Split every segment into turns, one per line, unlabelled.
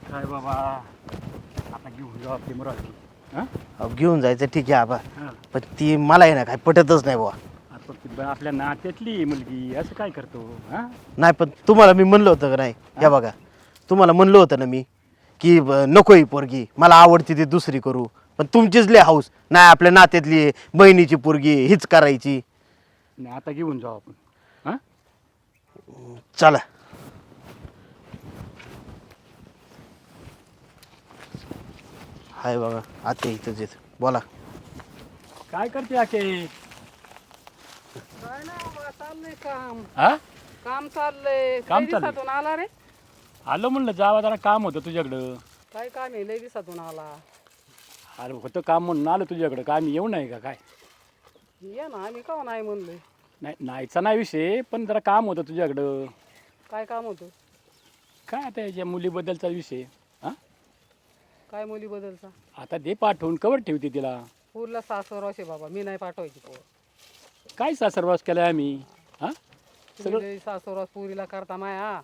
काय बाबा आता घेऊन जाऊ आपली मुरादी.
अहो, घेऊन जायचं ठीक आहे आबा,
हां
पण ती मला आहे ना काय पटतच नाही बुवा.
आता ती आपल्या नात्यातली मुलगी असं काय करतो हां.
नाही पण तुम्हाला मी म्हणलं होतं का नाही, हे बघा तुम्हाला म्हणलं होतं ना मी की नको ही पोरगी, मला आवडती ती दुसरी करू, पण तुमचीच लय हाऊस नाही आपल्या नात्यातली बहिणीची पोरगी हीच करायची.
नाही आता घेऊन जाऊ आपण. हां
चला. हाय बघा आता इथंच येत बोला.
काय करते आके?
काय नाही बाबा, चाललंय काम.
हां
काम चाललंय.
काम
लय
चाललंय.
दिवसातून आला रे?
आलो म्हणलं जावा जरा काम होतं तुझ्याकडं.
काय काम आहे? लय दिवसातून आला.
अरे होतं काम म्हणून आलो तुझ्याकडं. काय मी येऊ नाही का काय?
ये ना, आम्ही का नाही म्हणलोय.
नाही नाहीचा नाही विषय, पण जरा काम होतं तुझ्याकडं.
काय काम होतं?
काय आता याच्या मुलीबद्दलचा विषय. हां
काय मुली बदलचा?
आता दे पाठवून कवर ठेवते तिला.
पूरला सासर असे बाबा, मी नाही पाठवायची पोर.
काय सासरवास केलाय आम्ही. हां
तुम्ही सासर पुरीला करता माया.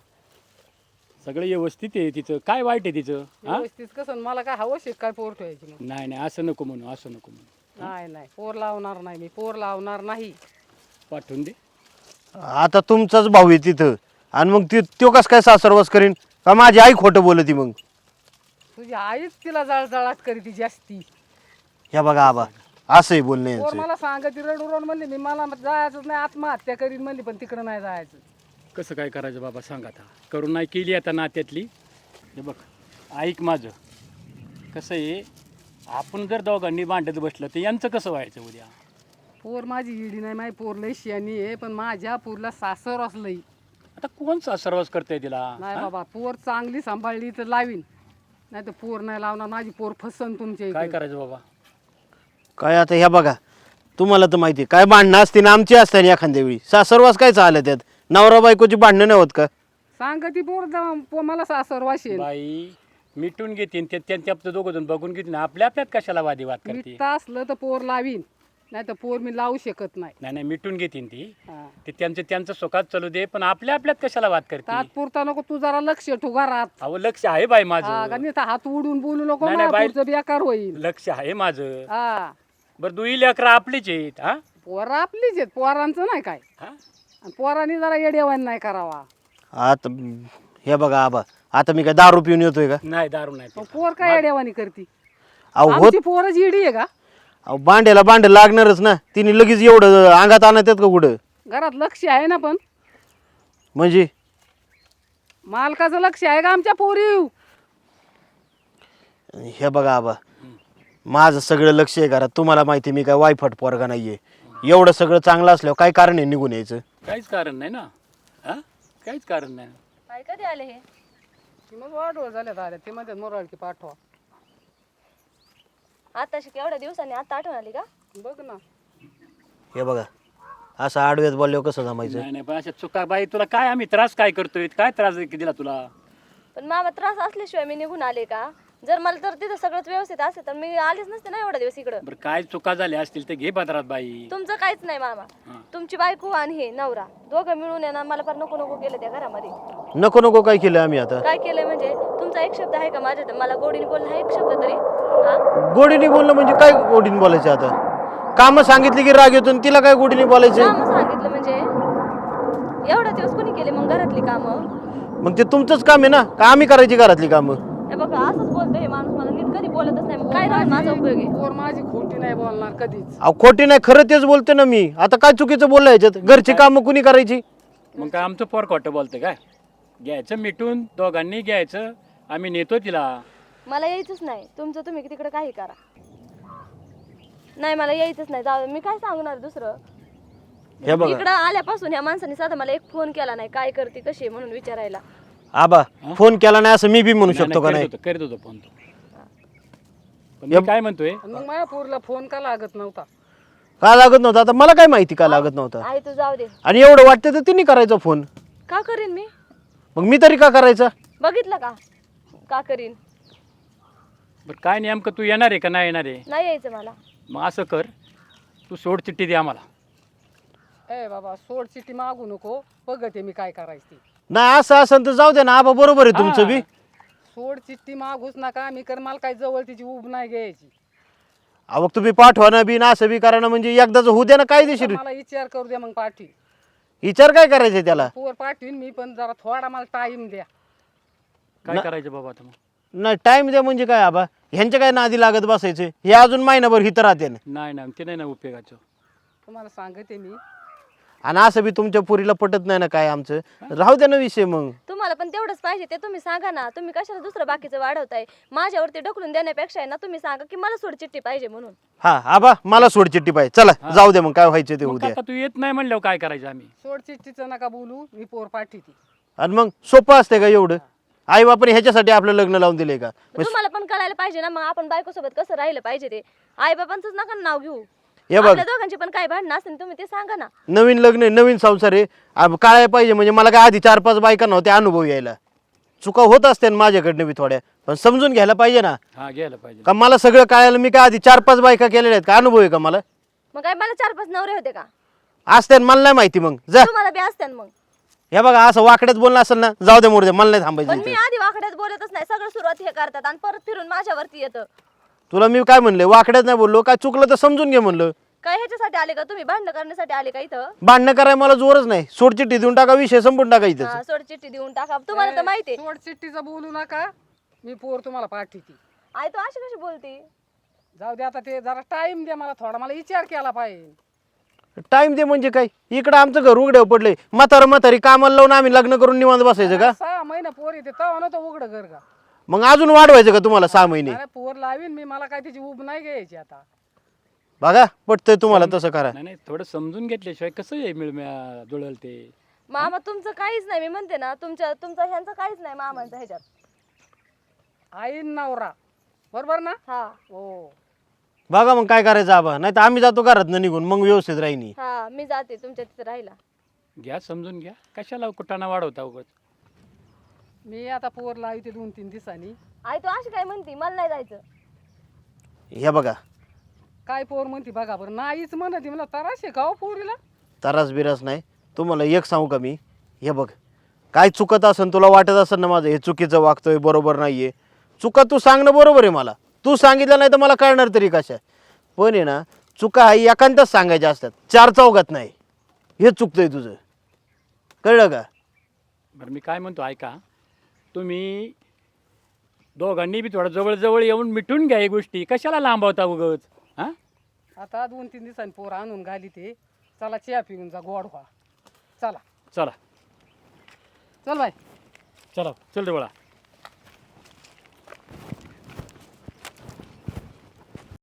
सगळं व्यवस्थित आहे तिचं. काय वाईट आहे तिचं? हां
व्यवस्थित कसं? मला काय हवं शेत काय पोर ठेवायची मग?
नाही नाही असं नको म्हणू, असं नको म्हणू.
नाही नाही, पोर लावणार नाही मी, पोर लावणार नाही.
पाठवून दे.
आता तुमचाच भाऊ आहे तिथं आणि मग तो कसं काय सासरवास करीन का माझी आई खोटं बोलती मग.
तुझी आईच तिला जळजळाट करी ती जास्ती.
ह्या बघा आबा असंही बोलणे
पोर मला सांगत रडून म्हणली, मी मला जायचंच नाही, आत्महत्या करीन म्हणली, पण तिकडं नाही जायचं.
कसं काय करायचं बाबा सांग आता. करून नाही केली आता नात्यातली. हे बघ ऐक माझं. कसं आहे, आपण जर दोघांनी भांडत बसलं तर यांचं कसं व्हायचं उद्या?
पोर माझी इडी नाही, माझी पोर लय शियानी आहे, पण माझ्या पोरला सासर असलंय.
आता कोण सासरवास करतंय तिला?
नाही बाबा, पोर चांगली सांभाळली तर लावीन, नाही तर पोर नाही लावणार. माझी पोर फसन तुमच्या
काय
इकडे.
करायचं बाबा?
काय आता ह्या बघा तुम्हाला तर माहिती आहे, काय भांडणं असते ना आमची असते ना एखाद्या वेळी सासरवास काय चाललं त्यात. नवरा बायकोची भांडणं नाही होत का?
सांग ती पोर मला सासर वाशेल.
बाई मिटून घेतील ते त्यांच्या दोघं जण बघून घेतील. आपल्या आपल्यात कशाला वादिवाद करते?
मिठता असलं तर पोर लावीन, नाही तर पोर मी लावू शकत नाही.
नाही नाही मिटून घेतील ती.
हा.
ते त्यांचं सुखात चालू दे, पण आपल्या आपल्यात कशाला वाद करते?
तात्पुरता नको तू जरा लक्ष ठेवू घरात.
अहो लक्ष आहे बाई
हा,
माझं.
का नुसता हात उडून बोलू नको,
नाही, नाही, बाई.
पुढचं बेकार होईल.
लक्ष आहे माझं.
हा,
बरं दुई लेकरं आपलीच आहेत. हा
पोरं आपलीच आहेत, पोरांचं नाही काय.
हा
आणि पोरांनी जरा येडेवान नाही करावा.
आता हे बघा आबा आता मी काय दारू पिऊन येतोय का?
नाही दारू नाही
मग
पित.
पोर काय येडेवानी करती?
अहो होत
आमची पोरच इडी आहे का?
अहो भांड्याला भांड लागणारच ना. तिने लगेच एवढं अंगात आणत आहेत का कुठं?
घरात लक्ष आहे ना, पण
म्हणजे
मालकाचं लक्ष आहे का आमच्या पोरी?
हे बघा आबा माझं सगळं लक्ष आहे घरात. तुम्हाला माहिती आहे, मी काय वायफट पोरगा नाहीये. एवढं सगळं चांगलं असल्यावर काय कारण आहे निघून यायचं?
काहीच कारण नाही ना. हा काहीच कारण नाही.
काय कधी आले हे?
मग वाढवळ झाल्यात आल्या ते मध्ये मोराळकी पाठवा.
आताशी केवढ्या दिवसांनी आता आठवण आली का?
बघ ना,
हे बघा असं आडव्यात बोलल्यावर कसं जमायचं?
नाही नाही पण अशा चुका बाई तुला काय आम्ही त्रास काय करतोय? काय त्रास दिला तुला?
पण मामा त्रास असल्याशिवाय मी निघून आले का? जर मला तर तिथं सगळंच व्यवस्थित असेल तर मी आलीच नसते ना एवढ्या दिवस इकडं.
बरं काय चुका झाल्या असतील तर घे पदरात बाई.
तुमचं काहीच नाही मामा.
हा.
तुमची बायको आणि हे नवरा दोघं मिळून आहे ना, मला फार नको नको केलं त्या घरामध्ये.
नको नको काय केलं आम्ही आता?
काय केलंय म्हणजे? तुमचा एक शब्द आहे का माझ्या मला गोडीने बोलणं आहे एक शब्द तरी? हा
गोडीने बोलणं म्हणजे काय गोडीने बोलायचं आता? कामं सांगितली की राग येतो आणि तिला काय गोडीने बोलायचं?
कामं सांगितलं म्हणजे एवढ्या दिवस कोणी केले मग घरातली कामं?
मग ते तुमचंच काम आहे ना, का आम्ही करायची घरातली कामं?
हे बघा असंच बोलतो हे माणूस, मला नीट कधी बोलतच नाही. मग काय राहून माझा उपयोग आहे?
पोर माझी खोटी नाही बोलणार कधीच.
अहो खोटी नाही, खरं तेच बोलते ना मी. आता काय चुकीचं बोललं याच्यात? घरची कामं कुणी करायची?
मग काय आमचं पोर खोटं बोलतं काय? घ्यायचं मिटून दोघांनी घ्यायचं. आम्ही नेतो तिला.
मला यायचंच नाही. तुमचं तुम्ही तिकडे काही करा. नाही मला यायचंच नाही. जाऊ दे. मी काय सांगणार दुसरं?
हे बघा
इकडं आल्यापासून ह्या माणसाने साधा मला एक फोन केला नाही, काय करते कशी आहे म्हणून विचारायला.
आबा फोन केला नाही असं मी बी म्हणू
नाही,
शकतो का नाही?
करीत होतो फोन तो. पण मी काय म्हणतोय,
आणि मग माझ्या पोरीला फोन का लागत नव्हता?
का लागत नव्हता? आता मला काय माहिती का लागत नव्हता?
आहे तू जाऊ दे.
आणि एवढं वाटतं तर तिने करायचा फोन.
का करीन मी?
मग मी तरी का करायचा?
बघितलं का का करीन?
बरं काय नेमकं तू येणार आहे का नाही येणार आहे?
नाही यायचं मला.
मग असं कर, तू सोड चिठ्ठी दे आम्हाला.
ए बाबा, सोड चिठ्ठी मागू नको, बघते मी काय करायची.
नाही असं असं तर जाऊ दे ना आबा, बरोबर आहे तुमचं बी.
सोड चिठ्ठी मागूच नका, मी कर मला काही जवळ तिची उब नाही घ्यायची.
अहो तुम्ही पाठवा ना बी ना असं बी करा ना, म्हणजे एकदाच होऊ द्या ना कायदेशीर.
मला विचार करू द्या मग पाठवी.
विचार काय करायचं त्याला?
पोर पाठवीन मी, पण जरा थोडा मला टाइम द्या.
काय करायचं बाबा आता मग?
नाही टाइम द्या म्हणजे काय आबा, ह्यांच्या काय नादी लागत बसायचे? हे अजून महिनाभर हिथं राहते ना.
नाही ते नाही ना उपयोगाचं.
तुम्हाला सांगते मी.
आणि असं बी तुमच्या पुरीला पटत नाही ना काय आमचं, राहू द्या ना विषय मग.
तुम्हाला पण तेवढंच पाहिजे ते तुम्ही सांगा ना. तुम्ही कशाला दुसरं बाकीचं वाढवताय? माझ्यावरती ढकलून देण्यापेक्षा आहे ना, तुम्ही सांगा की मला सोड चिठ्ठी पाहिजे म्हणून.
हा आबा मला सोड चिठ्ठी पाहिजे, चला जाऊ दे मग, काय व्हायचं ते
मग
उद्या.
काका तू येत नाही म्हणल्यावर काय करायचं आम्ही?
सोड चिठ्ठीचं नका बोलू, मी पोर पाठवते.
आणि मग सोपं असते का एवढं? आई बापाने ह्याच्यासाठी आपलं लग्न लावून दिले का?
तुम्हाला पण कळायला पाहिजे ना, मग आपण बायको सोबत कसं राहिलं पाहिजे ते. आई बाबांचंच नका ना नाव घेऊ.
हे बघ
आपल्या दोघांची पण काय भांडणं असेल तुम्ही ते सांगा ना.
नवीन लग्न आहे, नवीन संसार आहे, काळाय पाहिजे म्हणजे मला काय आधी 4-5 बायका नव्हत्या अनुभव यायला. चुका होत असते ना माझ्याकडनं बी थोड्या, पण समजून घ्यायला पाहिजे ना.
हा घ्यायला पाहिजे.
का मला सगळं कळायला मी काय आधी 4-5 बायका केलेल्या आहेत का? अनुभव आहे का मला?
मग काय मला 4-5 नवरे होते का?
असते ना, मला नाही माहिती. मग जा.
तुम्हाला बी असत्यान मग.
हे बघा असं वाकड्यात बोलणं असेल ना, जाऊ दे मोरदे, मला नाही
पण
थांबायचं
मी
इथं.
आधी वाकड्यात बोलतच नाही. सगळं सुरुवात हे करतात आणि परत फिरून माझ्यावरती येतं.
तुला मी काय म्हणले, वाकड्यात नाही बोललो, काय चुकलं तर समजून घे म्हणलं.
काय ह्याच्यासाठी आले का तुम्ही? भांडणं करण्यासाठी आले का इथं?
भांडणं करायला मला जोरच नाही. सोड चिठ्ठी देऊन टाका, विषय संपून टाका इथं.
हा, सोड चिठ्ठी देऊन टाका. तुम्हाला तर माहिती आहे.
सोड चिठ्ठीचं बोलू नका, मी पोर तुम्हाला पाठवते.
आई तू अशी कशी बोलती?
जाऊ दे आता, ते जरा टाइम द्या मला थोडा, मला विचार केला पाहिजे.
टाइम दे म्हणजे काय? इकडं आमचं घर उघड्यावर पडलंय, म्हातारी कामाला लावून आम्ही लग्न करून निवांत बसायचं का?
6 महिने पोर येते तेव्हा नव्हतं उघडं घर का?
मग अजून वाढवायचं का तुम्हाला 6 महिने?
अरे पोर लावीन मी, मला काय तिची उब नाही घ्यायची आता.
बघा पटतंय तुम्हाला तसं करा.
नाही थोडं समजून घेतल्याशिवाय कसं आहे जुळल ते.
मामा तुमचं काहीच नाही, मी म्हणते ना. तुमचं ह्यांचं काहीच नाही मामांचं ह्याच्यात.
आईन नवरा बरोबर ना?
हा
हो.
बघा मग काय करायचं आबा, नाही तर आम्ही जातो घरात निघून, मग व्यवस्थित राहिनी.
हा, मी जाते तुमच्या तिथे राहिला.
घ्या समजून घ्या, कशाला कुटाणा वाढवता उगाच.
मी आता पोर लावते 2-3 दिवसांनी.
आई तू अशी काय म्हणती? मला नाही जायचं.
हे बघा
काय पोर म्हणते बघा बरं. नाहीच म्हणते, मला तराशे का हो पोरीला?
तरास बिरास नाही. तुम्हाला एक सांगू का मी, हे बघ काय चुकत असेल, तुला वाटत असेल ना माझं हे चुकीचं वागतोय, बरोबर नाहीये, चुका तू सांगणं बरोबर आहे. मला तू सांगितलं नाही तर मला कळणार तरी कशा. पण आहे ना, चुका हा एकांतच सांगायच्या असतात, 4 चौघात नाही. हे चुकतंय तुझं, कळलं का?
बरं मी काय म्हणतो ऐका, तुम्ही दोघांनी बी थोडं जवळ येऊन मिटून घ्या. ही गोष्टी कशाला लांबवता उगच? हां
आता 2-3 दिवसांनी पोर आणून घाली ते. चला चहा पिऊन जा, गोड व्हा. चला
चला
चल बाय.
चला चल रे बाळा.